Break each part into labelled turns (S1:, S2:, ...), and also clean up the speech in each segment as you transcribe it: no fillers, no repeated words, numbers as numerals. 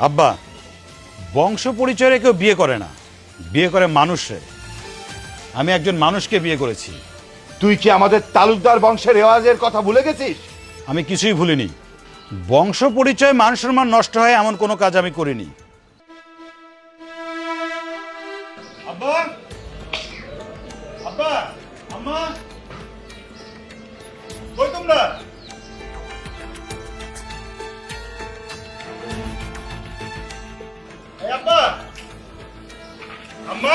S1: আব্বা, বংশ পরিচয়ে কেউ বিয়ে করে না, বিয়ে করে মানুষে। আমি একজন মানুষকে বিয়ে করেছি।
S2: তুই কি আমাদের তালুকদার বংশের রেওয়াজের কথা ভুলে গেছিস?
S1: আমি কিছুই ভুলিনি। বংশ পরিচয় মান সম্মান নষ্ট হয় এমন কোনো কাজ আমি করিনি। আব্বা, আব্বা, আম্মা, কই তোমরা? এই আব্বা, আম্মা,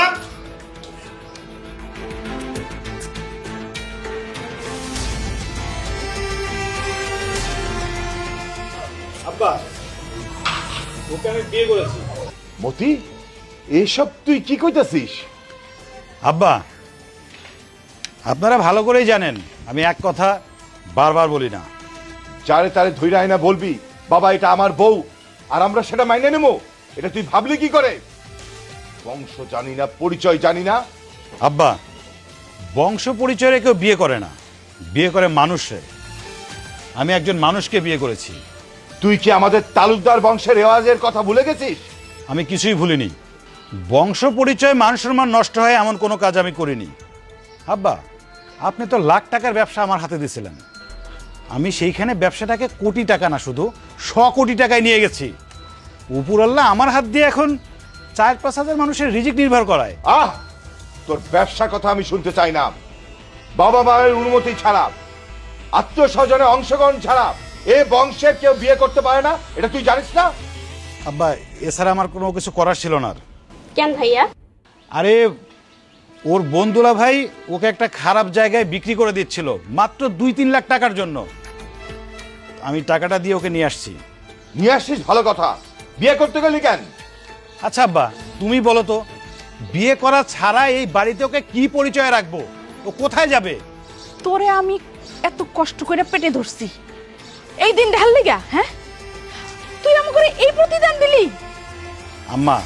S1: আব্বা, ওকে আমি বিয়ে করেছি।
S2: মতি, এসব তুই কি কইতাছিস?
S1: আব্বা, আপনারা ভালো করেই জানেন আমি এক কথা বারবার বলি না।
S2: যারে তারে ধৈর্য আয়না বলবি বাবা এটা আমার বউ, আর আমরা সেটা মাইনে নেবো? এটা তুই ভাবলি কি করে? বংশ জানি না, পরিচয় জানি না।
S1: আব্বা, বংশ পরিচয়ে কেউ বিয়ে করে না, বিয়ে করে মানুষে। আমি একজন মানুষকে বিয়ে করেছি।
S2: তুই কি আমাদের তালুকদার বংশের রেওয়াজের কথা ভুলে গেছিস?
S1: আমি কিছুই ভুলিনি। বংশ পরিচয় মান সম্মান নষ্ট হয় এমন কোনো কাজ আমি করিনি। আব্বা, আপনি তো লাখ টাকার ব্যবসা আমার হাতে দিয়েছিলেন। আমি সেইখানে ব্যবসাটাকে কোটি টাকা না, শুধু 100 কোটি টাকায় নিয়ে গেছি। উপরাল্লাহ আমার হাত দিয়ে এখন 4-5 হাজার মানুষের রিজিক নির্ভর করায়।
S2: আহ, তোর ব্যবসার কথা আমি শুনতে চাই না। বাবা মায়ের অনুমতি ছাড়া, আত্মীয় স্বজনের অংশগ্রহণ ছাড়া এ বংশের কেউ বিয়ে করতে পারে না, এটা তুই জানিস না?
S1: আব্বা, এছাড়া আমার কোনো কিছু করার ছিল না।
S3: কেন ভাইয়া?
S1: আরে, ওর বন্ধুলা ভাই ওকে একটা খারাপ জায়গায় বিক্রি করে দিচ্ছিল মাত্র 2-3 লাখ টাকার জন্য। আমি টাকাটা দিয়ে ওকে নিয়ে আসছি।
S2: নিয়ে আসছিস ভালো কথা, বিয়ে করতে গেলি কেন?
S1: আচ্ছা আব্বা, তুমি বলো তো, বিয়ে করা ছাড়া এই বাড়িতে ওকে কি পরিচয় রাখবো? ও কোথায় যাবে?
S4: তোরে আমি এত কষ্ট করে পেটে ধরছি, এই দিন ঢাললি গা? হ্যাঁ, তুই আমাকে এই প্রতিদান দিলি?
S1: আম্মা,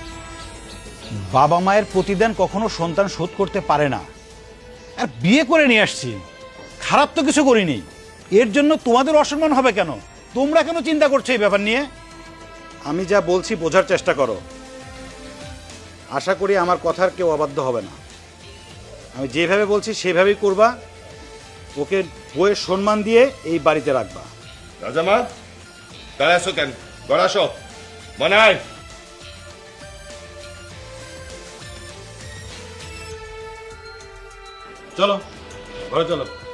S1: বাবা মায়ের প্রতিদান কখনো সন্তান শোধ করতে পারে না। আর বিয়ে করে নিয়ে আসছি, খারাপ তো কিছু করিনি। এর জন্য তোমাদের অসম্মান হবে কেন? তোমরা কেন চিন্তা করছো এই ব্যাপার নিয়ে? আমি যা বলছি বোঝার চেষ্টা করো। আশা করি আমার কথার কেউ অবাধ্য হবে না। আমি যেভাবে বলছি সেভাবেই করবা। ওকে বইয়ের সম্মান দিয়ে এই বাড়িতে রাখবা।
S2: রাজামা, তাহলে আসো কেন? ঘর আসো, মানায়।
S1: চলো ঘরে চলো।